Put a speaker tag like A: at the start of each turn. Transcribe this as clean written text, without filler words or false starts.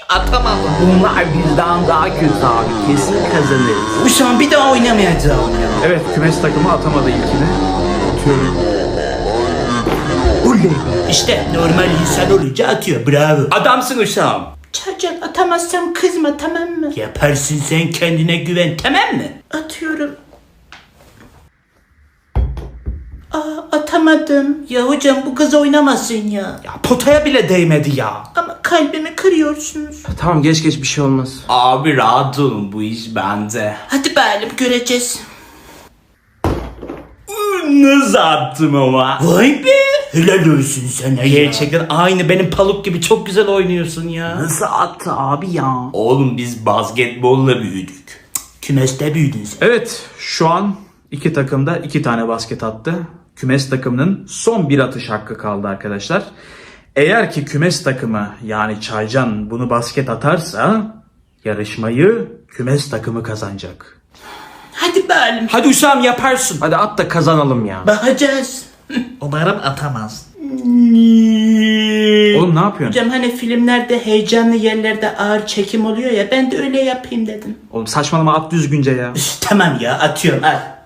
A: Atamadım.
B: Bunlar bizden daha kötü abi. Kesin kazanırız.
A: Uşağım bir daha oynamayacağım ya.
B: Evet, kümes takımı atamadı ilkini. Atıyorum.
A: Oley. İşte normal insan olunca atıyor. Bravo.
C: Adamsın uşağım.
A: Çarcan atamazsam kızma, tamam mı? Yaparsın, sen kendine güven, tamam mı? Atıyorum. Atamadım. Ya hocam bu kız oynamasın ya.
C: Ya potaya bile değmedi ya.
A: Ama kalbimi kırıyorsunuz.
B: Tamam, geç bir şey olmaz.
C: Abi rahat olun, bu iş bende.
A: Hadi bakalım, göreceğiz.
C: Nasıl attım ama?
A: Vay be. Helal olsun sana ya.
C: Gerçekten aynı benim Paluk gibi çok güzel oynuyorsun ya.
B: Nasıl attı abi ya?
C: Oğlum biz basketbolla büyüdük.
A: Kümeste büyüdün sen.
B: Evet, şu an iki takım da 2 tane basket attı. Kümes takımının son bir atış hakkı kaldı arkadaşlar. Eğer ki kümes takımı yani Çaycan bunu basket atarsa yarışmayı kümes takımı kazanacak.
A: Hadi bakalım.
C: Hadi uşağım yaparsın.
B: Hadi at da kazanalım ya.
A: Bakacağız. Umarım atamaz.
B: Oğlum ne yapıyorsun?
A: Hocam hani filmlerde heyecanlı yerlerde ağır çekim oluyor ya, ben de öyle yapayım dedim.
B: Oğlum saçmalama, at düzgünce ya.
A: Tamam ya, atıyorum, al.